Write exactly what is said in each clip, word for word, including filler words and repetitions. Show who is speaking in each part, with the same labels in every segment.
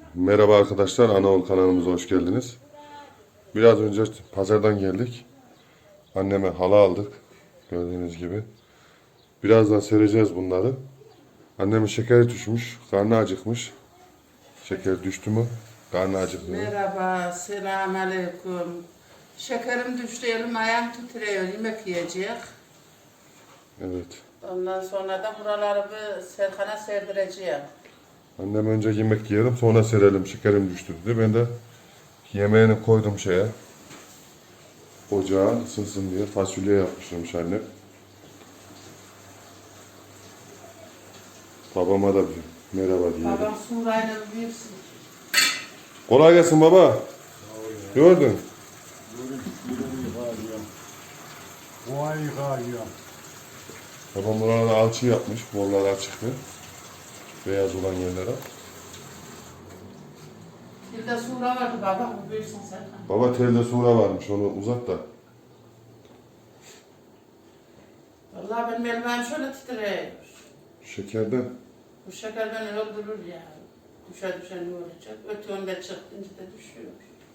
Speaker 1: Merhaba arkadaşlar, Anaol kanalımıza hoş geldiniz. Biraz önce pazardan geldik. Anneme halı aldık. Gördüğünüz gibi. Birazdan sereceğiz bunları. Annemin şekeri düşmüş, karnı acıkmış. Şeker düştü mü? Karnı acıkmıyor.
Speaker 2: Merhaba, selamünaleyküm. Şekerim düştü, elim ayağım titriyor, yemek yiyecek.
Speaker 1: Evet.
Speaker 2: Ondan sonra da buraları bir Serkan'a serdireceğim.
Speaker 1: Annem önce yemek yiyelim, sonra serelim. Şekerim düştü dedi. Ben de yemeğini koydum şeye. Ocağa ısınsın diye fasulye yapmışım annem. Babama da bir merhaba diyelim.
Speaker 2: Babam Surayla büyüksün.
Speaker 1: Kolay gelsin baba. Gördün.
Speaker 3: Vay galiba.
Speaker 1: Babam buralarda alçı yapmış. Borlar açıktı. Beyaz olan yerlere.
Speaker 2: Bir de Sura vardı babam, bu büyüksün Serkan.
Speaker 1: Baba telde sura varmış. Onu uzat da.
Speaker 2: Vallahi benim elim ayağım şöyle titriyor.
Speaker 1: Şekerden.
Speaker 2: Bu şeker beni öldürür ya. Düşe düşe ne olacak? Öte yönde çıktınca da düşüyor.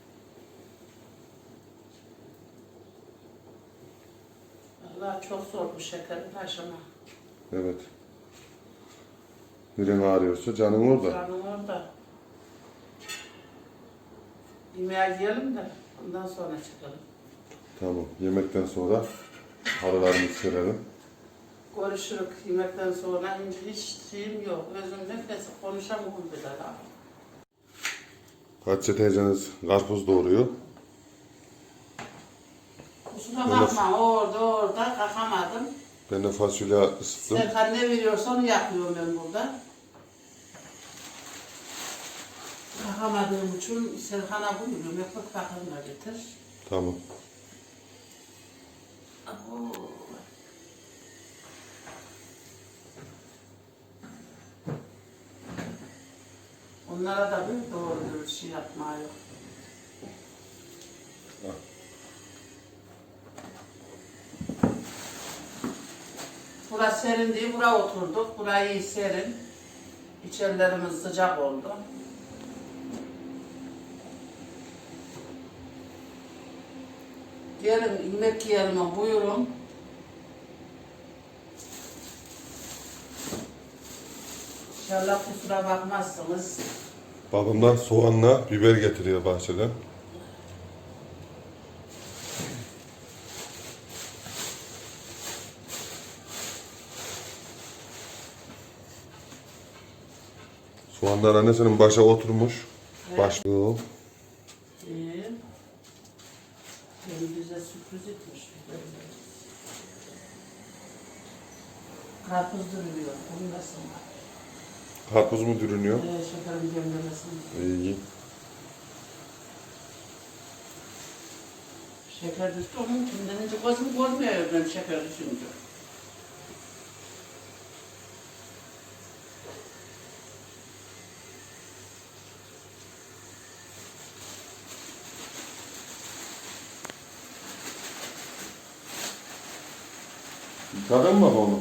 Speaker 2: Vallahi çok zor bu şekerin aşama.
Speaker 1: Evet. Birin ağrıyorsa canın orada.
Speaker 2: Canım orada. Yemeğe yiyelim de ondan sonra çıkalım.
Speaker 1: Tamam. Yemekten sonra halılarımızı serelim.
Speaker 2: Görüşürük yemekten sonra. Hiç şeyim yok. Özüm nefesi konuşamıyorum bile daha.
Speaker 1: Hatice teyzeniz karpuz doğuruyor.
Speaker 2: Kusura bakma orada orada kalkamadım.
Speaker 1: Ben de fasulye ısıttım.
Speaker 2: Serkan ne veriyorsa onu yapıyorum ben burada. Kalkamadığım için Serkan'a buyuruyorum. Ekmek bakımına getir.
Speaker 1: Tamam.
Speaker 2: Abo. Onlara da bir doğru dürüst şey yapma yok. Burası serin diye buraya oturduk. Burayı iyi serin. İçerilerimiz sıcak oldu. Gelin yemek yiyelim, buyurun. İnşallah kusura bakmazsınız.
Speaker 1: Babamdan soğanla biber getiriyor bahçeden. Soğanlar annesinin başa oturmuş.
Speaker 2: Evet.
Speaker 1: Başlıyor.
Speaker 2: İyi. Beni bize sürpriz etmiş. Karpuz duruyor. Bunu nasıl var?
Speaker 1: Karpuz mu dürünüyor?
Speaker 2: Ee, şekerim göndermesin.
Speaker 1: İyi.
Speaker 2: Şeker düştü onun için denince gözüm görmüyor ben şeker düşünce.
Speaker 1: Yıkadın mı onu?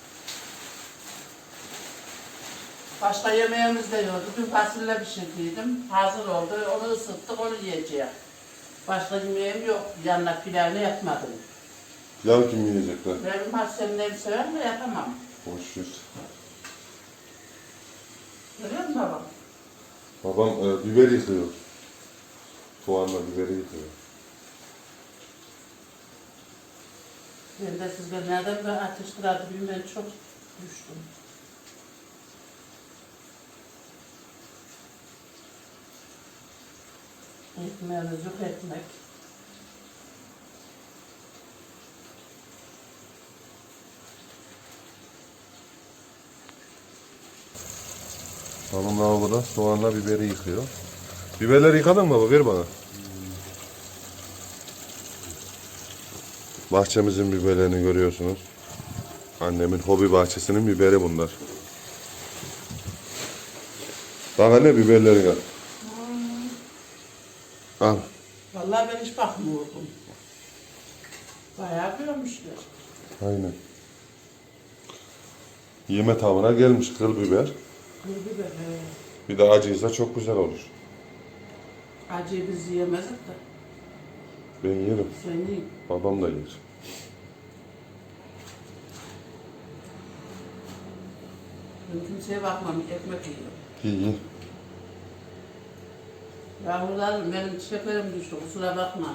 Speaker 2: Başka yemeğimiz de yoktu. Dün fasulye pişirdiydim. Hazır oldu. Onu ısıttık, onu yiyeceğim. Başka yemeğim yok. Yanına pilavını yapmadım.
Speaker 1: Pilav kim yiyecekler?
Speaker 2: Benim hastanemleri sever mi? Yapamam.
Speaker 1: Boş ver.
Speaker 2: Görüyor musun babam?
Speaker 1: Babam e, biber yıkıyor. Soğanla biberi yıkıyor.
Speaker 2: Ben de siz ben nereden ben ateş kırardı bilmem çok düştüm. Ekmeğimiz yok ekmek.
Speaker 1: Babam lavaboda soğanla biberi yıkıyor. Biberleri yıkadın mı baba? Ver bana. Bahçemizin biberlerini görüyorsunuz. Annemin hobi bahçesinin biberi bunlar. Bak anne biberleri al. Al.
Speaker 2: Vallahi ben hiç bakmıyordum. Bayağı büyümüşler.
Speaker 1: Aynen. Yeme tavına gelmiş kıl biber.
Speaker 2: Kıl biber. he.
Speaker 1: Bir de acıysa çok güzel olur.
Speaker 2: Acıyı biz yiyemezdik de.
Speaker 1: Ben yerim.
Speaker 2: Sen yiyin.
Speaker 1: Babam da yer.
Speaker 2: Ben kimseye bakmam, ekmek yiyorum.
Speaker 1: İyi iyi.
Speaker 2: Yavrularım benim şekerim düştü, kusura bakma.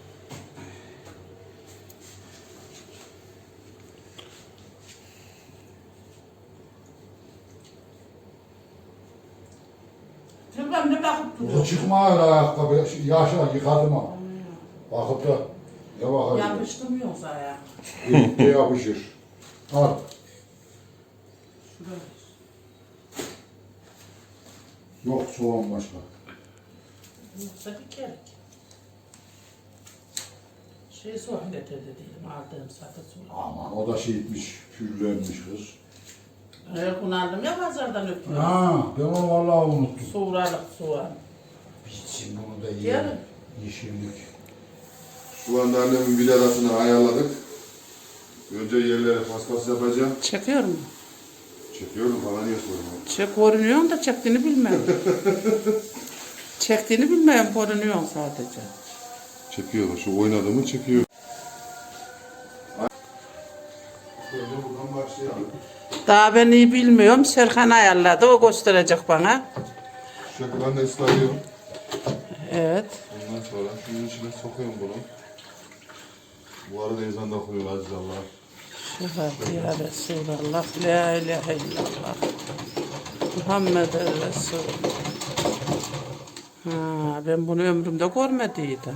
Speaker 2: Tülbem ne bakıp
Speaker 3: O
Speaker 2: duruyor?
Speaker 3: çıkma öyle ayakkabı. Yaşa yıkadım ha. Bakıp da ne bakar?
Speaker 2: Yapıştı mı yoksa ayağa?
Speaker 3: İyice yapışır. Al.
Speaker 2: Şuraya.
Speaker 3: Yok soğan başka.
Speaker 2: Yoksa bir kere. Şey soğan getirdi diyelim, aldığım satı soğan.
Speaker 3: Aman o da şey etmiş, pürlenmiş kız.
Speaker 2: Evet, bunu aldım ya pazardan öpüyorum.
Speaker 3: Ha, ben onu vallahi unuttum.
Speaker 2: Soğuralık soğan.
Speaker 3: Bitsin bunu da
Speaker 2: Yarın.
Speaker 3: yiyelim. Yeşillik.
Speaker 1: Şu anda annemin bilerasını ayarladık. Önce yerlere paspas yapacağım.
Speaker 2: Çekiyor mu?
Speaker 1: Çekiyorum, bana niye soruyorsun?
Speaker 2: Çek görünüyor da çektiğini bilmem. Çektiğini bilmem, görünüyor sadece.
Speaker 1: Çekiyor, şu oynadığımı çekiyor. Şöyle buradan başlayalım.
Speaker 2: Daha ben iyi bilmiyorum. Serkan ayarladı, o gösterecek bana.
Speaker 1: Şu şekilde ıslıyorum.
Speaker 2: Evet.
Speaker 1: Ondan sonra şunun içine sokuyorum bunu. Bu arada ezan da okunuyor Aziz Allah.
Speaker 2: Şehadet ya Resulallah, la ilahe illallah. Muhammed Resulullah. Ha, ben bunu ömrümde görmediydim.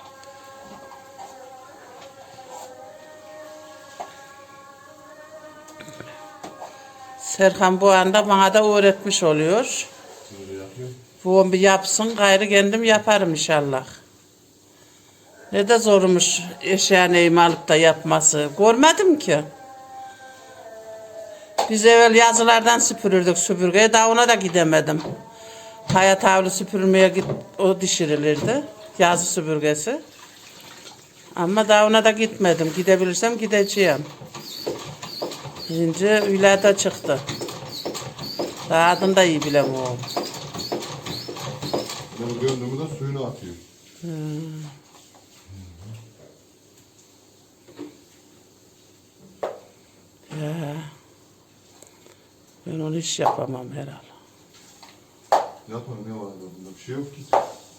Speaker 2: Serkan bu anda bana da öğretmiş oluyor.
Speaker 1: Böyle yapıyorum.
Speaker 2: Bu bir yapsın, gayrı kendim yaparım inşallah. Ne de zormuş eşya neyimi alıp da yapması. Görmedim ki. Biz evvel yazılardan süpürürdük süpürgeye, daha ona da gidemedim. Hayat havlu süpürmeye git, o dişirilirdi. Yazı süpürgesi. Ama daha ona da gitmedim. Gidebilirsem gideceğim. Şimdi ülada çıktı. Daha adını da iyi bilem o.
Speaker 1: Bunu gördüğümü de suyunu atıyor.
Speaker 2: Hmm. Ya. Ben onu hiç yapamam herhalde.
Speaker 1: Yapma, ne var bunda? Bir şey yok ki.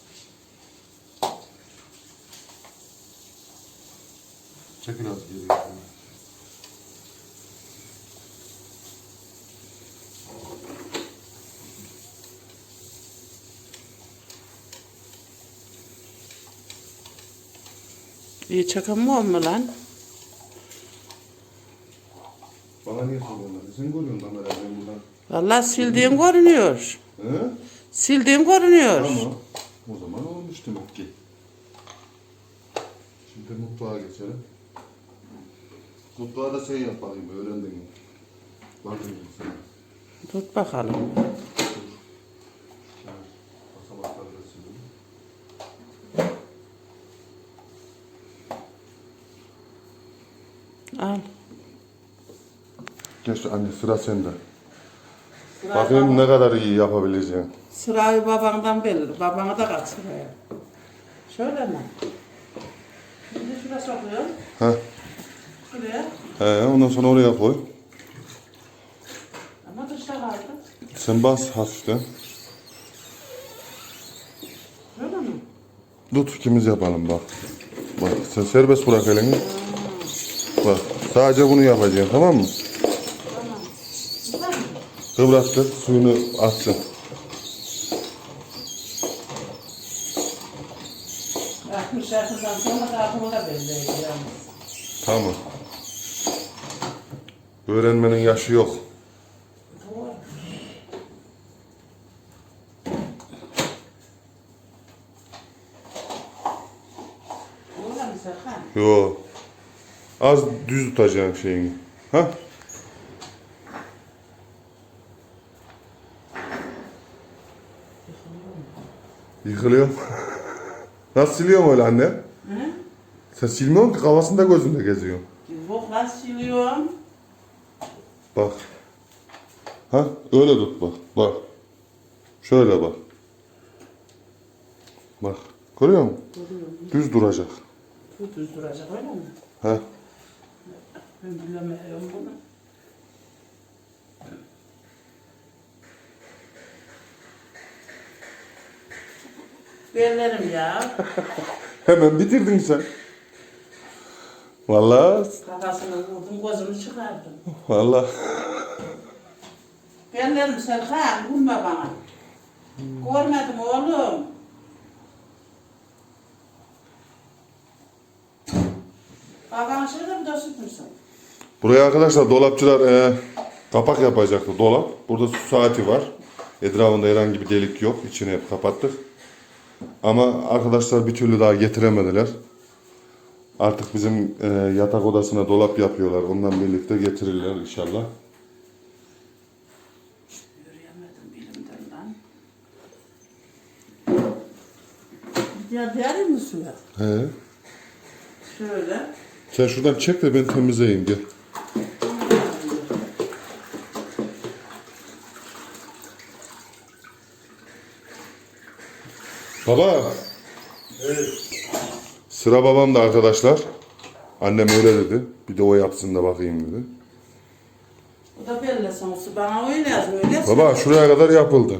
Speaker 1: Çek biraz geriye.
Speaker 2: İyi çakamıyor mu lan?
Speaker 1: Bana niye soruyorlar? Sen görüyorsun kamerayı ben buradan.
Speaker 2: Vallahi sildiğim görünüyor.
Speaker 1: He?
Speaker 2: Sildiğim görünüyor.
Speaker 1: Tamam. O zaman olmuş demek ki. Şimdi mutfağa geçelim. Mutfağı da sen yap bakayım, öğrendin mi? Bakayım sen.
Speaker 2: Tut bakalım.
Speaker 1: Basamakları da silelim.
Speaker 2: Al.
Speaker 1: Geç anne, sıra sende.
Speaker 2: Sıra
Speaker 1: Bakayım
Speaker 2: baba-
Speaker 1: ne kadar iyi yapabileceksin.
Speaker 2: Sırayı babandan belli. Babana da kaç sıraya. Şöyle mi? Şimdi şuraya sokuyorum.
Speaker 1: Heh.
Speaker 2: Şuraya.
Speaker 1: He, ondan sonra oraya koy.
Speaker 2: Ama dışta kaldı.
Speaker 1: Sen bas hafiften.
Speaker 2: Şöyle mi?
Speaker 1: Tut, ikimiz yapalım bak. Bak sen serbest bırak elini. Bak sadece bunu yapacaksın, tamam mı?
Speaker 2: Tamam. Güzel mi?
Speaker 1: Kıvrattır, suyunu atsın.
Speaker 2: altmış yaşından sonra da aklıma da belliydi yalnız.
Speaker 1: Tamam. Öğrenmenin yaşı yok.
Speaker 2: Doğru. Doğru mu Serkan?
Speaker 1: Yo. Az düz tutacaksın şeyini. Ha? Yıkılıyor. Nasıl siliyorum öyle anne?
Speaker 2: Hı?
Speaker 1: Sen silmiyorsun ki, kafasında gözünde geziyor.
Speaker 2: Yok lan siliyorum.
Speaker 1: Bak. Ha? Öyle tut bak. Bak. Şu Şöyle bak. Bak. Görüyor musun?
Speaker 2: Görüyorum.
Speaker 1: Düz duracak.
Speaker 2: Bu düz duracak öyle mi?
Speaker 1: He.
Speaker 2: Ben bilemiyorum bunu. Bellerim ya.
Speaker 1: Hemen bitirdin sen. Vallahi.
Speaker 2: Kafasını vurdum, gözümü çıkardım.
Speaker 1: Vallahi.
Speaker 2: Bellerim Serkan, vurma bana. Görmedim oğlum. Baban şurada bir de süpürsün.
Speaker 1: Buraya arkadaşlar dolapçılar e, kapak yapacaktı dolap. Burada su saati var. Etrafında herhangi bir delik yok. İçini hep kapattık. Ama arkadaşlar bir türlü daha getiremediler. Artık bizim e, yatak odasına dolap yapıyorlar. Ondan birlikte getirirler inşallah.
Speaker 2: Yürüyemedim bilimden lan. Ya derin mi suya?
Speaker 1: He.
Speaker 2: Şöyle.
Speaker 1: Sen şuradan çek de ben temizleyeyim gel. Baba.
Speaker 3: Evet.
Speaker 1: Sıra babamda arkadaşlar. Annem öyle dedi. Bir de o yapsın da bakayım dedi.
Speaker 2: O da belli sonuçta. Bana öyle yaz, öyle yaz.
Speaker 1: Baba şuraya kadar yapıldı.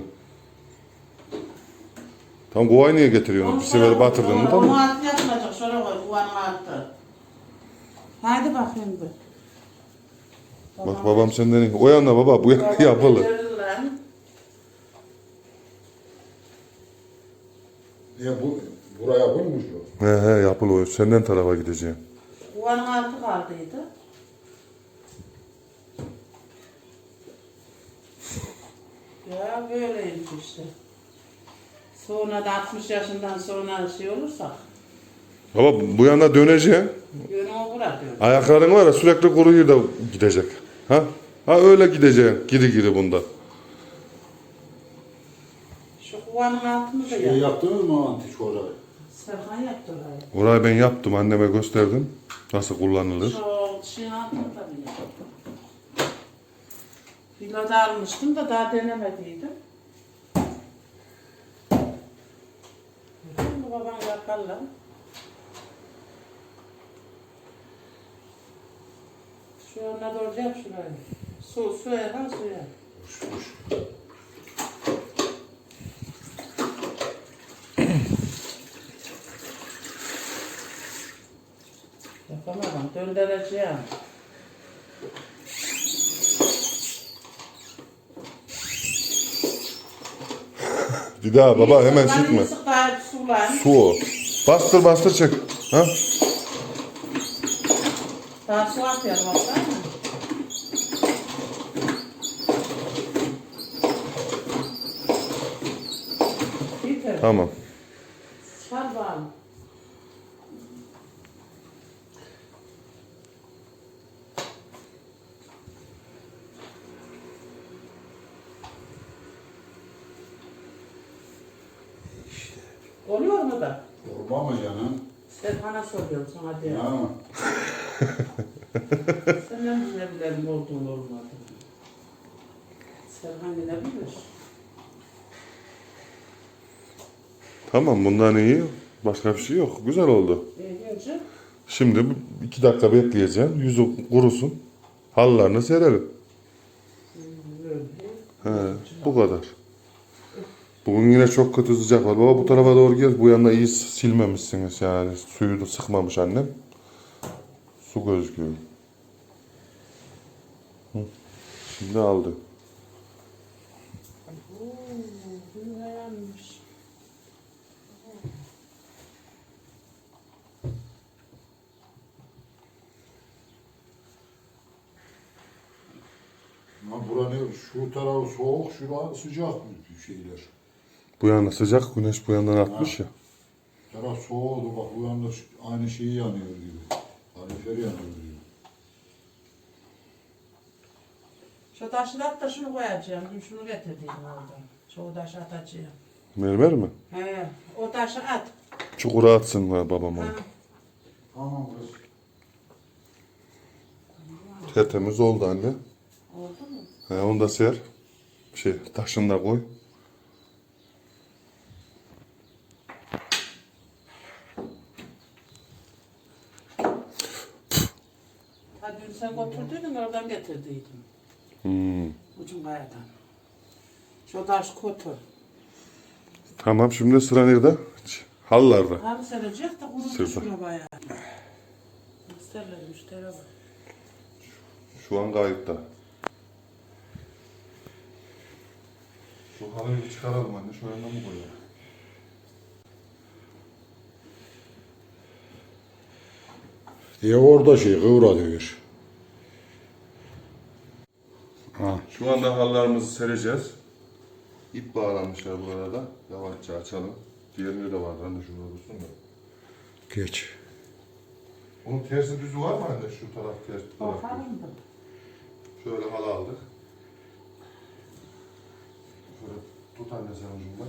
Speaker 1: Tam kovayı niye getiriyorsun? Bir sefer batırdın mı
Speaker 2: Onu
Speaker 1: tamam.
Speaker 2: altı yapılacak. Şöyle koy, kuvanın altı. Haydi bakayım bir.
Speaker 1: Bak babam senden iyi. O yana baba bu yana yapılı.
Speaker 2: Verir lan.
Speaker 3: Ya bu buraya koymuş o.
Speaker 1: He he yapılı o. Senden tarafa gideceğim.
Speaker 2: Kuvanın altı kaldıydı. Ya böyleymiş işte. Sonra da altmış yaşından sonra şey olursak,
Speaker 1: Baba bu yana döneceğim.
Speaker 2: yönümü bırakıyorum.
Speaker 1: Ayakların var ya sürekli kuruyor da gidecek. Ha? Ha öyle gideceksin. Giri giri bunda.
Speaker 2: Şu kuvanın altını da
Speaker 3: Şey
Speaker 2: yap.
Speaker 3: yaptınız mı antik orayı?
Speaker 2: Serkan yaptı orayı.
Speaker 1: Orayı ben yaptım. Anneme gösterdim. Nasıl kullanılır.
Speaker 2: Şu şeyin altını da bir yap. Villada almıştım da daha denemediydim. Şimdi babam yaparlar. Şu önüne doğru yap şurayı. Su, suya lan suya. Yapamadım, döndüreceğim.
Speaker 1: Bir daha baba hemen
Speaker 2: Lan
Speaker 1: sıkma.
Speaker 2: sık daha su lan.
Speaker 1: Su o. Bastır bastır çek. Ha?
Speaker 2: Daha su atıyorum baksana. Yeter.
Speaker 1: Tamam.
Speaker 2: Sar bağlı. Oluyor mu da?
Speaker 3: Olma mı canım?
Speaker 2: Serkan'a soruyorum sana diye.
Speaker 3: Ya.
Speaker 2: Senden bilebilirim olduğunu olmadı. Serkan bilebilir.
Speaker 1: Tamam bundan iyi. Başka bir şey yok. Güzel oldu.
Speaker 2: İyi diyorsun.
Speaker 1: Şimdi iki dakika bekleyeceğim. Yüzü kurusun. Halılarını serelim. He, bu kadar. Bugün yine çok kötü sıcak var. Baba bu tarafa doğru gel. Bu yana iyi silmemişsiniz yani. Suyu da sıkmamış annem. Su gözüküyor. Hı. Şimdi aldı.
Speaker 2: Bu dayanmış.
Speaker 3: Ha bura ne? Şu tarafı soğuk, şura sıcak bir şeyler.
Speaker 1: Bu yana sıcak. Güneş bu yandan atmış ya.
Speaker 3: Taraf soğuğdu bak bu yanda şu- aynı şeyi yanıyor gibi. Kalifer yanıyor gibi.
Speaker 2: Şu taşı at da şunu koyacağım. Dün şunu getirdim oradan. Şu taşı atacağım.
Speaker 1: Mermer mi?
Speaker 2: He, o taşı at.
Speaker 1: Çukura atsın ha babam onu.
Speaker 2: Ha.
Speaker 3: Tamam kız.
Speaker 1: Tertemiz oldu anne.
Speaker 2: Oldu mu?
Speaker 1: He, onu da ser. Şey taşını da koy.
Speaker 2: Ha dün sen götürdüydün oradan getirdiydim.
Speaker 1: Hmm.
Speaker 2: Ucun kayadan. Şu taş kötü.
Speaker 1: Tamam şimdi sıra nerede? Halılarda.
Speaker 2: Halı serecek de kurudu
Speaker 1: Sırtı.
Speaker 2: şuna bayağı. Müşteriler müşteri var.
Speaker 1: Şu an kayıtta. Şu halıyı bir çıkaralım anne. Şu yandan mı koyalım?
Speaker 3: Diye orada şey kıvra diyor. Ha.
Speaker 1: Şu anda halılarımızı sereceğiz. İp bağlanmışlar burada da. Yavaşça açalım. Diğerleri de var. Anne şurada dursun da.
Speaker 3: Geç.
Speaker 1: Bunun tersi düzü var mı anne? Şu taraf ters, bu taraf düz.
Speaker 2: Bakalım da.
Speaker 1: Şöyle halı aldık. Şöyle tut anne sen ucundan.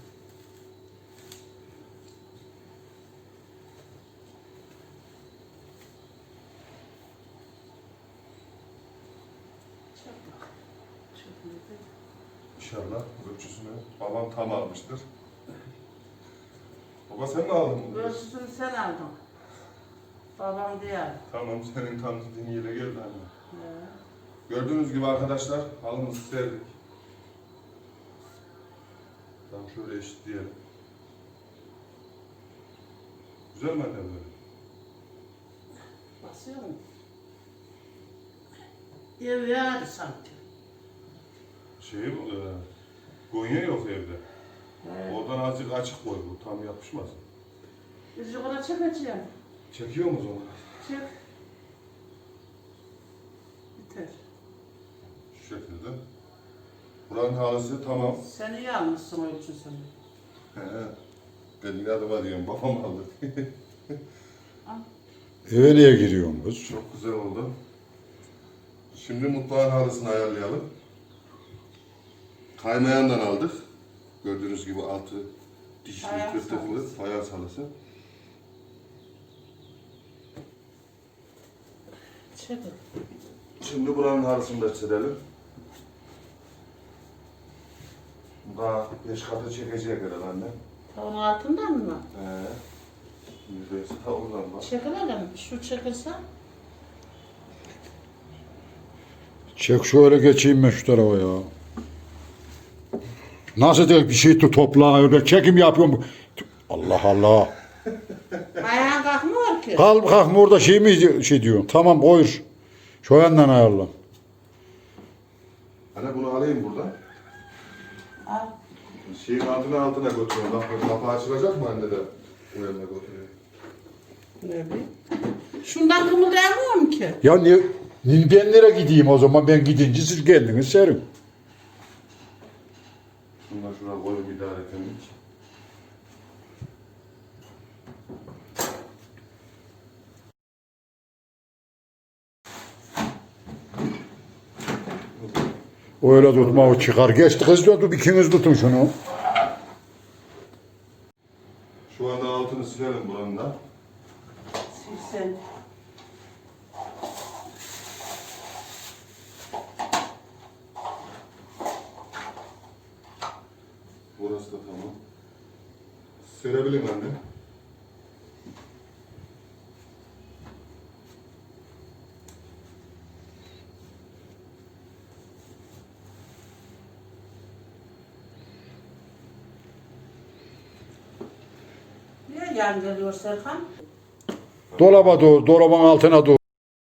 Speaker 1: İnşallah ölçüsünü babam tam almıştır. Baba sen mi aldın bunu?
Speaker 2: Ölçüsünü sen aldın. Babam diğer.
Speaker 1: Tamam senin tam dediğin yere geldi anne.
Speaker 2: He.
Speaker 1: Gördüğünüz gibi arkadaşlar halımızı serdik. Tam şöyle eşitleyelim. Güzel mi anne böyle?
Speaker 2: Basıyor mu? Ev yağdı sanki.
Speaker 1: Şey, e, Gonya yok evde.
Speaker 2: He.
Speaker 1: Oradan azıcık açık koy bu tam yapışmasın.
Speaker 2: Biz yukarı çekeceğim.
Speaker 1: Çekiyor mu onu?
Speaker 2: Çek. Biter.
Speaker 1: Şu şekilde. Buranın halısı tamam.
Speaker 2: Sen iyi almışsın ölçüsünü.
Speaker 1: He. Ben inadıma diyorum babam aldı.
Speaker 3: Eve niye giriyorsun kız?
Speaker 1: Çok güzel oldu. Şimdi mutfağın halısını ayarlayalım. Kaymayandan aldık. Gördüğünüz gibi altı dişli,
Speaker 2: Fayans
Speaker 1: tırtıklı
Speaker 2: halısı.
Speaker 1: fayans halısı.
Speaker 2: Çek.
Speaker 1: Şimdi buranın halısını da çizelim. Daha beş katı çekecek herhalde anne.
Speaker 2: Onun altından mı?
Speaker 1: He. Yüzdeyse ta oradan bak.
Speaker 2: Çekilelim. Şu çekilse.
Speaker 3: Çek şöyle geçeyim ben şu tarafa ya. Nasıl diyor bir şey tut topla öyle çekim yapıyorum. Allah Allah.
Speaker 2: Ayağın kalkmıyor ki.
Speaker 3: Kalk kalkma orada şey mi şey diyor. Tamam koyur. Şu yandan ayarla.
Speaker 1: Anne bunu alayım buradan.
Speaker 2: Al.
Speaker 1: Şeyin altına altına götürüyorum. Bak kapı açılacak mı anne de? O yanına götürüyor.
Speaker 2: Ne bileyim. Şundan kımıldayamıyorum ki.
Speaker 3: Ya niye, niye ben nereye gideyim o zaman ben gidince siz kendiniz serin.
Speaker 1: Şundan şuraya koyun idare etmek.
Speaker 3: Öyle tutma o çıkar. Geçti kız tutup ikiniz tutun şunu.
Speaker 1: Şu anda altını silelim buranın da.
Speaker 2: Silsen.
Speaker 1: Burası da tamam. Serebilirim anne.
Speaker 2: Niye yan geliyor Serkan?
Speaker 3: Dolaba doğru, dolabın altına doğru.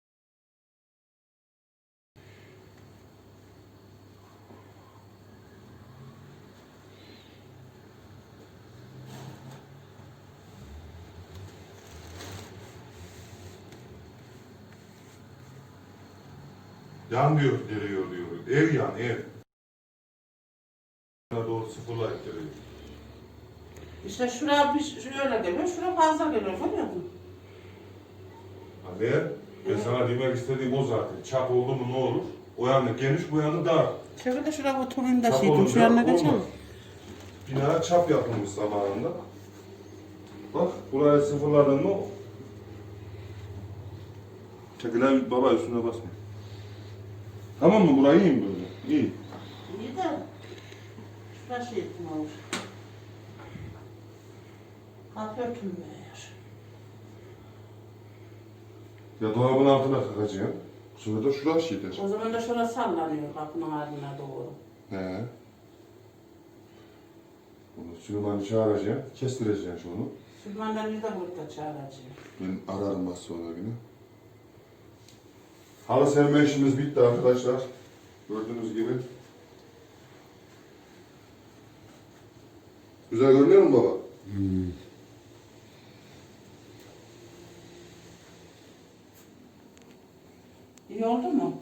Speaker 1: Yan diyor, geliyor diyor. Ev yan, ev. Doğru sıfırla ittiriyor.
Speaker 2: İşte şuraya bir şöyle geliyor, şuraya fazla geliyor. Görüyor musun?
Speaker 1: Anne, ben sana demek istediğim o zaten. Çap oldu mu ne olur? O yanı geniş, bu yanı dar.
Speaker 2: Şöyle de şuraya oturayım da
Speaker 1: Çap
Speaker 2: şeydim, şu
Speaker 1: olunca
Speaker 2: yanına
Speaker 1: olmaz.
Speaker 2: geçelim.
Speaker 1: Bina çap yapılmış zamanında. Bak, buraya sıfırladın mı? Çekilen baba üstüne basma. Tamam mı? Burayı iyi mi böyle? İyi.
Speaker 2: İyi de şuraya şey ettim olur. Kapı örtülmüyor.
Speaker 1: Ya dolabın altına kakacaksın. Bu sefer de şurası şeydir.
Speaker 2: O zaman da şurası sallanıyor kapının ardına doğru.
Speaker 1: He. Bunu Süleyman'ı çağıracaksın. Kestireceksin şunu.
Speaker 2: Süleyman'dan bir de burada çağıracağım.
Speaker 1: Ben ararım az sonra yine. Halı serme işimiz bitti arkadaşlar. Gördüğünüz gibi. Güzel görünüyor mu baba?
Speaker 3: Hmm.
Speaker 2: İyi oldu mu?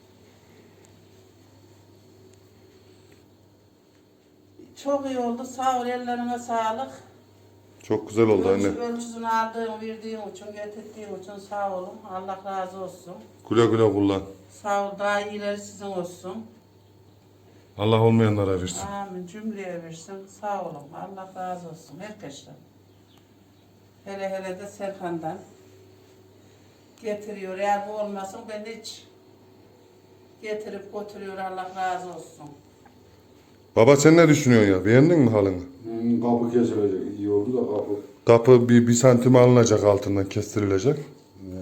Speaker 2: Çok iyi oldu. Sağ ol, ellerine sağlık.
Speaker 1: Çok güzel oldu anne.
Speaker 2: Ölçü, ölçüsünü aldığın, verdiğin için, getirdiğin için sağ olun. Allah razı olsun.
Speaker 1: Güle güle kullan.
Speaker 2: Sağ ol, daha iyileri sizin olsun.
Speaker 1: Allah olmayanlara versin.
Speaker 2: Amin. Cümleye versin. Sağ olun. Allah razı olsun. Herkesten. Hele hele de Serkan'dan. Getiriyor. Eğer bu olmasın ben hiç getirip götürüyor. Allah razı olsun.
Speaker 1: Baba sen ne düşünüyorsun ya? Beğendin mi halını?
Speaker 3: Hmm, kapı kesilecek. İyi oldu da kapı.
Speaker 1: Kapı bir, bir santim alınacak altından kestirilecek.
Speaker 3: Evet.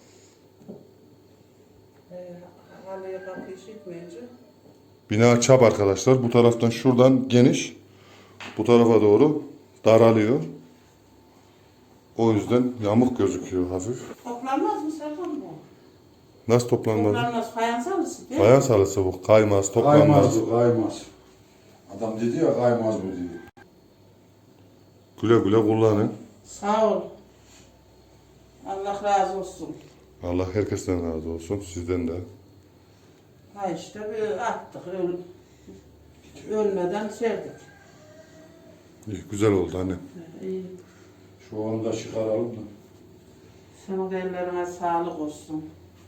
Speaker 2: Ee, halıya kapıyı çekmeyince.
Speaker 1: Bina çap arkadaşlar. Bu taraftan şuradan geniş. Bu tarafa doğru daralıyor. O yüzden yamuk gözüküyor hafif.
Speaker 2: Toplanmaz mı Serkan bu?
Speaker 1: Nasıl toplanmaz?
Speaker 2: Toplanmaz. Fayans alırsın değil mi?
Speaker 1: Fayans halısı bu. Kaymaz,
Speaker 3: Kaymaz
Speaker 1: toplanmaz.
Speaker 3: bu, kaymaz. Adam dedi ya kaymaz bu dedi.
Speaker 1: Güle güle kullanın.
Speaker 2: Sağ ol. Allah razı olsun.
Speaker 1: Allah herkesten razı olsun. Sizden de.
Speaker 2: Ha işte bir attık. Öl, ölmeden serdik.
Speaker 1: İyi, güzel oldu anne.
Speaker 2: İyi.
Speaker 3: Şu onu da çıkaralım da.
Speaker 2: Senin de ellerine sağlık olsun.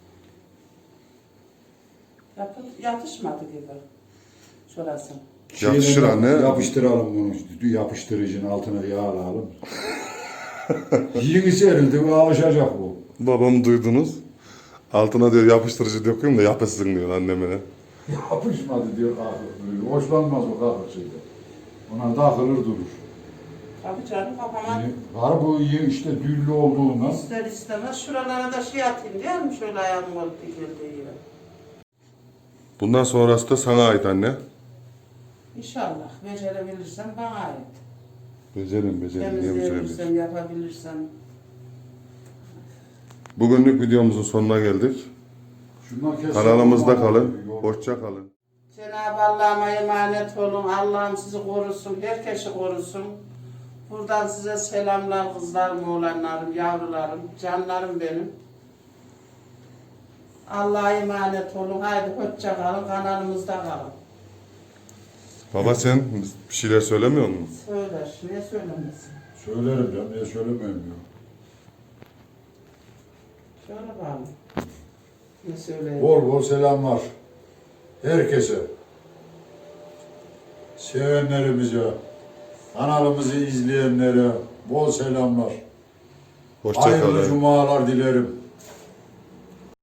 Speaker 2: Yapı, yatışmadı gibi. Şurası.
Speaker 1: Yakışır
Speaker 3: Şeyden
Speaker 1: anne.
Speaker 3: Yapıştıralım bunu. Yapıştırıcının altına yağlayalım. Yeni serildi bu, alışacak bu.
Speaker 1: Babam duydunuz. Altına diyor yapıştırıcı döküyorum da yapışsın diyor anneme.
Speaker 3: Yapışmadı diyor kalkır. Hoşlanmaz o kalkır şeyde. Ona takılır durur.
Speaker 2: Tabii canım kafama
Speaker 3: Yani var bu iyi işte düllü olduğundan.
Speaker 2: ister istemez şuralara da şey atayım değil mi? Şöyle ayağım olup dikildiği yere.
Speaker 1: Bundan sonrası da sana ait anne.
Speaker 2: İnşallah becerebilirsem bana ait.
Speaker 1: Becerim becerim. Niye beceremeyiz?
Speaker 2: Temizleyebilirsem, yapabilirsem.
Speaker 1: Bugünlük videomuzun sonuna geldik.
Speaker 3: Şundan kesin.
Speaker 1: Kanalımızda kalın. Hoşça kalın.
Speaker 2: Cenab-ı Allah'ıma emanet olun. Allah'ım sizi korusun, herkesi korusun. Buradan size selamlar kızlarım, oğlanlarım, yavrularım, canlarım benim. Allah'a emanet olun. Haydi hoşça kalın, kanalımızda kalın.
Speaker 1: Baba sen bir şeyler söylemiyor musun?
Speaker 2: Söyler, ne söylemesin?
Speaker 3: Söylerim canım, niye söylemeyeyim ya.
Speaker 2: Söyle bakalım. Ne söyleyeyim?
Speaker 3: Bol bol selamlar. Herkese. Sevenlerimize, kanalımızı izleyenlere bol selamlar.
Speaker 1: Hoşça
Speaker 3: Hayırlı
Speaker 1: kalın.
Speaker 3: cumalar dilerim.